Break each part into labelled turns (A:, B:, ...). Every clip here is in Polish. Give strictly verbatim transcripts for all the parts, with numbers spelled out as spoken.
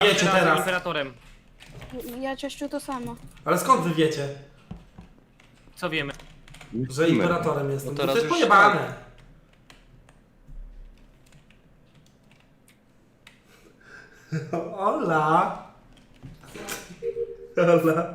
A: Wiecie teraz.
B: Imperatorem.
C: Ja ciościu to samo.
A: Ale skąd wy wiecie,
B: Co wiemy?
A: że imperatorem jestem?
D: No
A: To
D: teraz
A: jest
D: już
A: pojebane. Ola. Ola.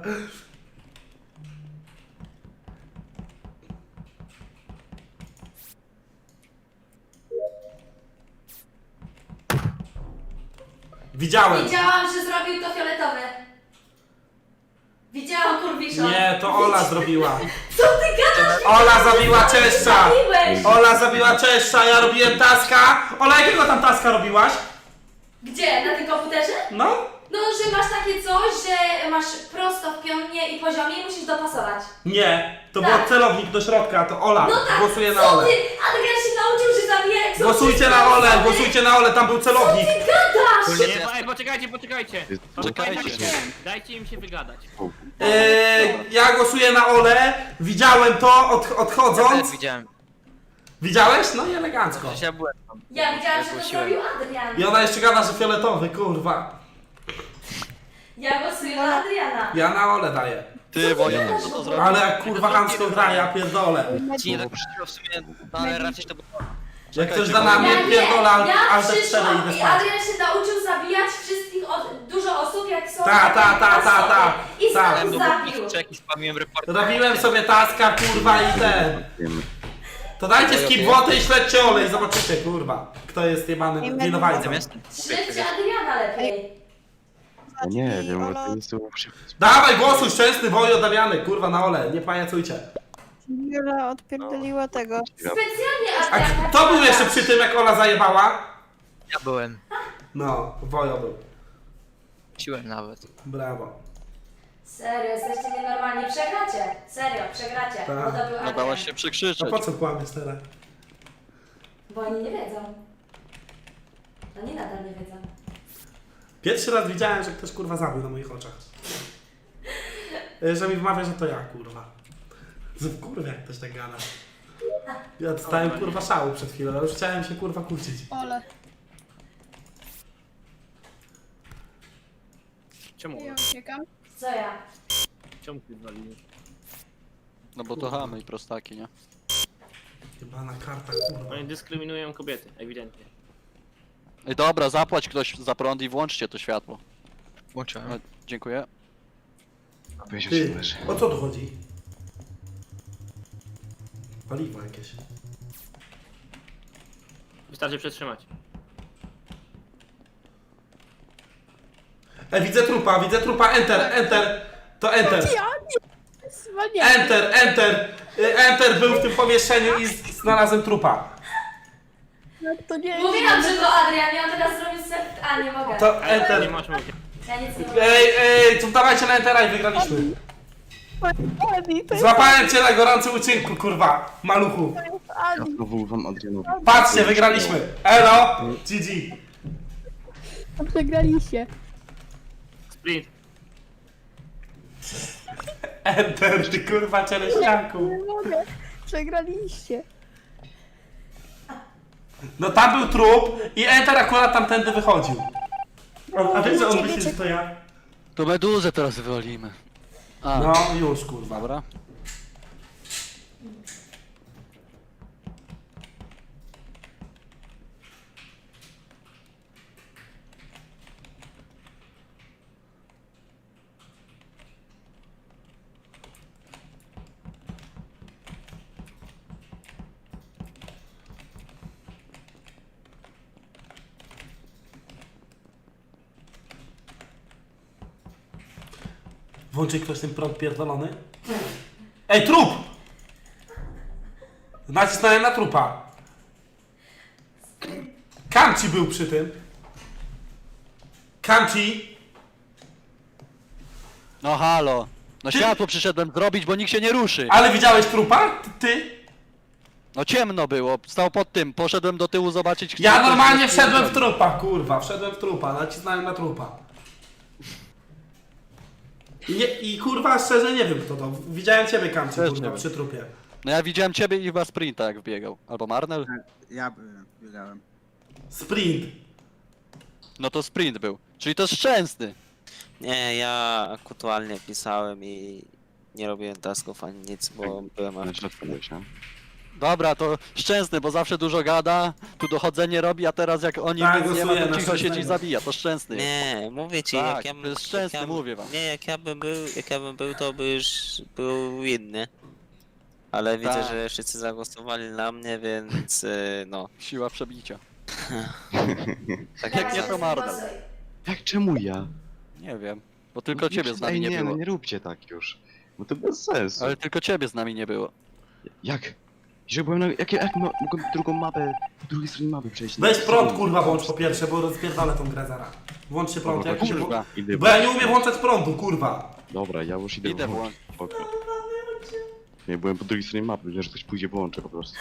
A: Widziałem.
E: Widziałam, że zrobił to fioletowy. Widziałam kurwisza.
A: Nie, to Ola zrobiła.
E: Co ty gadasz?
A: Ola zabiła Czeszcza.
E: Zabiłeś.
A: Ola zabiła Czeszcza, ja robiłem taska. Ola, jakiego tam taska robiłaś?
E: Gdzie? Na tym komputerze?
A: No.
E: No, że masz takie coś, że masz prosto w pionie i poziomie i musisz dopasować.
A: Nie, to
E: Tak.
A: był celownik do środka, to Ola.
E: No tak,
A: Głosuje na
E: co
A: Olę.
E: ty? Adrian się nauczył, że zabija jak są
A: Głosujcie
E: wszystkie
A: na Olę,
E: osoby.
A: głosujcie na Olę, tam był celownik.
E: Co ty gadasz?
B: Nie, ej, poczekajcie, poczekajcie.
D: Poczekajcie.
B: Dajcie im się wygadać.
A: Eee, ja głosuję na Olę, widziałem to od, odchodząc.
F: widziałem.
A: Widziałeś? No i elegancko.
F: Przecież ja byłem tam.
E: Ja widziałam, że to
F: Głosiłem.
E: zrobił Adrian.
A: I ona jeszcze gada, że fioletowy, kurwa.
E: Ja głosuję na Adriana.
A: Ja na Olę daję.
D: Ty, Wojek, co to zrobił?
A: Ale jak kurwa Hansko gra, ja pierdolę.
F: Ci nie tak przyszło w sumie, no ale raczej to było...
A: Jak ktoś da na mnie,
E: Ja nie,
A: pierdolę, ale
E: ja
A: ale te cztery
E: przyszłam
A: idę
E: i
A: spać.
E: Adrian się nauczył zabijać wszystkich, od, dużo osób jak są.
A: Ta, ta, ta, ta, ta.
E: I
A: Ta.
E: znowu zabił.
F: Czek i spamiłem report.
A: Robiłem sobie taska, kurwa i ten. To dajcie skip wodę i śledźcie Olę i zobaczycie, kurwa, kto jest jebanym winowajcą.
F: Zamiast...
E: Śledźcie Adriana lepiej.
G: Ja nie wiem, bo to jest przy...
A: Dawaj, głosuj, szczęsny woj oddamiany, kurwa na Olę, nie pajacujcie.
C: Jula odpierdoliła tego.
E: Specjalnie
A: A
E: Adrian.
A: kto był jeszcze przy tym, jak Ola zajebała?
F: Ja byłem.
A: No, Wojo był.
F: Siłem nawet.
A: Brawo.
E: Serio, jesteście nienormalni. Przegracie. Serio, przegracie.
A: Tak.
E: Bo to był
D: No
E: Adrian.
D: dałaś się
A: No
D: przekrzyczeć.
A: po co kłamiesz teraz?
E: Bo oni nie wiedzą. Oni nadal nie wiedzą.
A: Pierwszy raz widziałem, że ktoś kurwa zabił na moich oczach. Y, Że mi wmawia, że to ja, kurwa. Z- Kurwa, jak ktoś tak gada. Ja dostałem kurwa szału przed chwilą, ale już chciałem się kurwa kłócić.
C: Ole.
B: Czemu?
C: Ja uciekam.
E: Co ja?
B: Czemu ty zwaliłeś?
D: No bo to chamy i prostaki, nie?
A: Jebana karta, kurwa.
B: Oni dyskryminują kobiety, ewidentnie.
D: Ej, dobra, zapłać ktoś za prąd i włączcie to światło.
F: Włączyłem.
D: No, dziękuję.
A: Ty, o co tu chodzi? Paliwo jakieś.
B: Wystarczy przetrzymać.
A: E, widzę trupa, widzę trupa, enter, enter. To enter.
C: Ja nie. Zwaniały.
A: Enter, enter. Y, Enter był w tym pomieszczeniu i z- znalazłem trupa.
C: No to nie
E: Mówiłam, że to Adrian. Ja teraz zrobię self... A, nie mogę.
A: To
B: Ale nie
A: enter.
B: masz mówić.
E: Ja nic nie mogę.
A: Ej, ej, to dawajcie na entera i wygraliśmy.
C: Ani, to jest
A: Złapałem cię na gorącym uczynku, kurwa, maluchu.
G: Ja
C: Ani.
G: znowu wam Adrianowi.
A: Patrzcie, wygraliśmy. Elo, G G.
C: Przegraliście.
B: Sprint.
A: Enter, ty kurwa cieleśniaku.
C: Nie mogę. Przegraliście.
A: No tam był trup i enter akurat tamtędy wychodził. A wiesz, że on myśli, że to ja?
D: To meduzę teraz wywalimy. A,
A: No już, kurwa.
D: dobra.
A: Włączy ktoś ten prąd pierdolony? Ej, trup! Nacisnąłem na trupa. Kamci był przy tym. Kamci.
D: No halo. No
A: Ty-
D: światło przyszedłem zrobić, bo nikt się nie ruszy.
A: Ale widziałeś trupa? Ty? ty?
D: No ciemno było, stał pod tym, poszedłem do tyłu zobaczyć...
A: Ja
D: ktoś
A: normalnie
D: jest-
A: wszedłem w trupa, kurwa. Wszedłem w trupa, nacisnąłem na trupa. I, nie, I kurwa, szczerze nie wiem kto to. Widziałem ciebie, Kamci,
D: Też nie
A: kurwa,
D: wiem.
A: przy trupie.
D: No ja widziałem ciebie i chyba sprinta jak wbiegał. Albo Marnel?
H: Ja byłem, biegałem.
A: Sprint.
D: No to sprint był. Czyli to jest szczęsny.
H: Nie, ja aktualnie pisałem i nie robiłem tasków ani nic, bo byłem
G: Na
H: aż...
G: środku byłeś, nie?
D: Dobra, to szczęsny, bo zawsze dużo gada, tu dochodzenie robi, a teraz jak oni
A: Tak,
D: nic nie ma,
A: głosujemy
D: to
A: na
D: cicho siedzi i
A: szczęsnego.
D: zabija, to szczęsny.
H: Nie, mówię ci,
D: Tak,
H: jak ja
D: to jest
H: jak
D: szczęsny,
H: ja,
D: mówię wam.
H: Nie, jak ja bym był, jak ja bym był, to by już był inny. Ale widzę,
D: Tak.
H: że wszyscy zagłosowali na mnie, więc y, no.
D: Siła przebicia.
H: Tak
D: Jak
H: jak
D: nie, to Mardel.
E: Głosuj.
G: Jak czemu ja?
D: Nie wiem, bo tylko ciebie z nami
G: Ej,
D: nie
G: nie,
D: było.
G: no nie róbcie tak już. Bo to bez sensu.
D: Ale tylko ciebie z nami nie było.
G: Jak? Że byłem na... Jak, jak mo- mogłem drugą mapę, po drugiej stronie mapy przejść?
A: Weź prąd kurwa włącz po pierwsze, bo rozpierdolę tą grę zaraz. Włączcie prąd,
G: Dobra,
A: jak się...
D: kurwa.
G: Idę
A: Bo ja nie umiem włączać prądu, kurwa.
G: Dobra, ja już idę
D: Idę
G: włączyć. Spoko. Nie, byłem po drugiej stronie mapy, wiem, że ktoś pójdzie, włączę po prostu.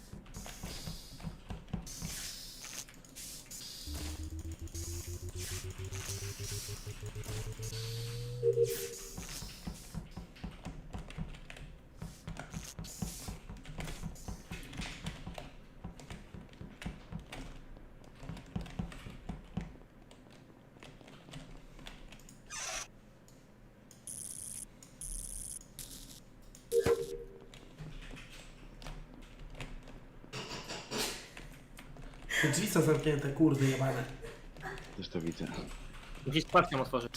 A: Te drzwi są zamknięte, kurwy jebane.
G: Też to widzę.
B: Musisz spadkiem otworzyć.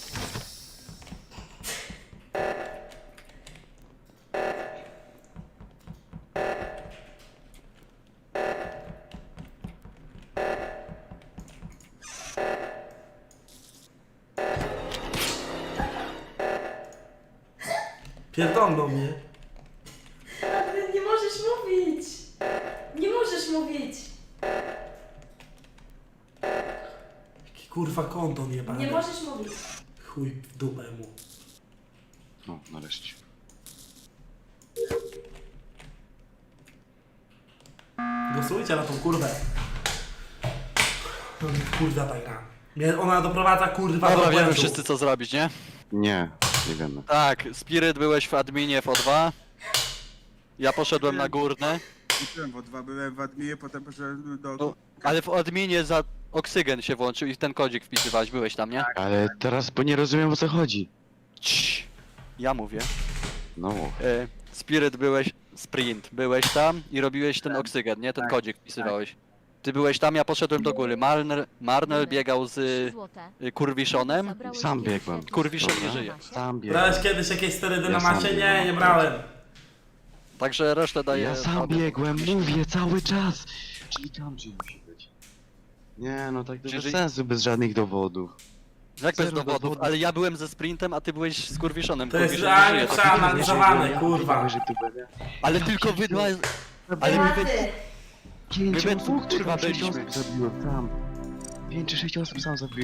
A: Pierdolną mnie.
E: Adrian, nie możesz mówić! Nie możesz mówić!
A: Jaki kurwa kondon jebany.
E: Nie możesz mówić.
A: Chuj w dupę mu.
G: No, nareszcie.
A: Głosujcie na tą kurwę. Kurwa ta gra. Mnie ona doprowadza kurwa
D: Dobra,
A: do
D: wiemy
A: błędu.
D: wszyscy co zrobić, nie?
G: Nie, nie wiemy.
D: Tak, Spirit byłeś w adminie w O dwa. Ja poszedłem na górne,
I: Byłem w O dwa, byłem w adminie, potem poszedłem do...
D: No, ale w adminie za oksygen się włączył i ten kodzik wpisywałeś, byłeś tam, nie?
G: Ale teraz, bo nie rozumiem o co chodzi.
D: Cii. Ja mówię.
G: No,
D: E, Spirit byłeś, Sprint, byłeś tam i robiłeś ten oksygen, nie? Ten
I: Tak,
D: kodzik wpisywałeś. Ty byłeś tam, ja poszedłem do góry. Marnel, Marnel biegał z y, Kurwiszonem.
G: Sam biegłem.
D: Kurwiszon nie
G: Dobra.
D: żyje.
G: Sam biegłem.
A: Brałeś kiedyś jakieś sterydy
G: Ja
A: na
G: sam
A: macie? Nie,
G: biegłem.
A: nie brałem.
D: Także resztę daję...
G: Ja sam
D: tobie.
G: biegłem, mówię cały czas. Czyli Kamji musi być. Nie, no tak to bez
D: Czyli-
G: sensu, bez żadnych dowodów.
D: Jak bez
G: Zero
D: dowodów,
G: dowodów.
D: ale ja byłem ze Sprintem, a ty byłeś z Kurwiszonem.
A: To jest
D: Kurwiszon nie
A: realnie
D: żyje, to-
A: przeanalizowane,
G: Ja
A: kurwa.
G: że tu będę.
D: Ale tylko wy dwa... Ale my wy...
E: Tematy!
G: Pięć
D: My we
G: osób,
D: dwóch,
G: czy
D: kurwa,
G: tam sześć
D: byliśmy.
G: osób zabiłem tam. Pięć czy sześć osób sam zabiłem.